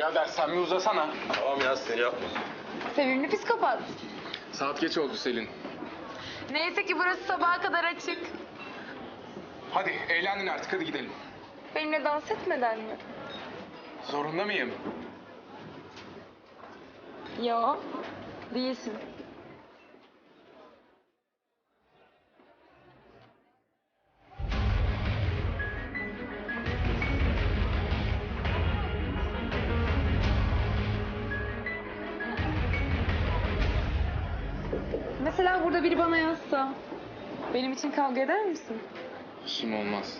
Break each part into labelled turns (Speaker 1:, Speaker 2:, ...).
Speaker 1: Birader sen bir uzasana.
Speaker 2: Tamam ya sinir yapma.
Speaker 3: Sevimli psikopat.
Speaker 1: Saat geç oldu Selin.
Speaker 3: Neyse ki burası sabaha kadar açık.
Speaker 1: Hadi eğlendin artık, hadi gidelim.
Speaker 3: Benimle dans etmeden mi?
Speaker 1: Zorunda mıyım?
Speaker 3: Yo, değilsin. Mesela burada biri bana yazsa, benim için kavga eder misin?
Speaker 1: İşim olmaz.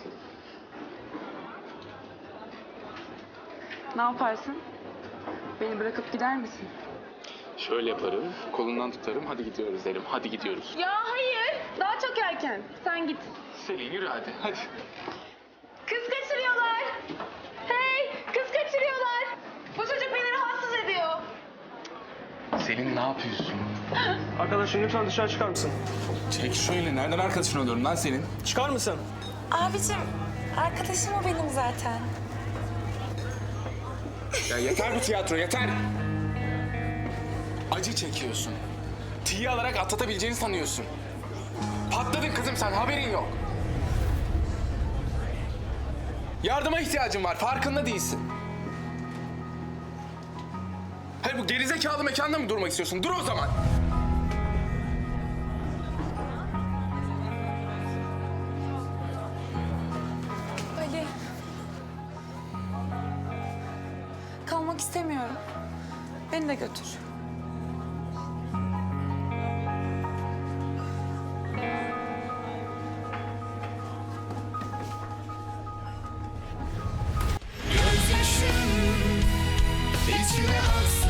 Speaker 3: Ne yaparsın? Beni bırakıp gider misin?
Speaker 1: Şöyle yaparım, kolundan tutarım, hadi gidiyoruz derim. Hadi gidiyoruz.
Speaker 3: Ya hayır, daha çok erken. Sen git.
Speaker 1: Selin yürü hadi, hadi.
Speaker 3: Kız kaçırıyorlar. Hey, kız kaçırıyorlar. Bu çocuk beni rahatsız ediyor.
Speaker 1: Selin ne yapıyorsun?
Speaker 2: Arkadaşım lütfen dışarı çıkar mısın?
Speaker 1: Çek şöyle, nereden arkadaşın oluyorum lan senin?
Speaker 2: Çıkar mısın?
Speaker 4: Abicim, arkadaşım o benim zaten.
Speaker 1: Ya yeter bu tiyatro, yeter! Acı çekiyorsun. Tiye alarak atlatabileceğini sanıyorsun. Patladın kızım sen, haberin yok. Yardıma ihtiyacın var, farkında değilsin. Hayır bu gerizekalı mekanda mı durmak istiyorsun? Dur o zaman.
Speaker 4: Ali. Kalmak istemiyorum. Beni de götür.
Speaker 5: Gözyaşım içime aksa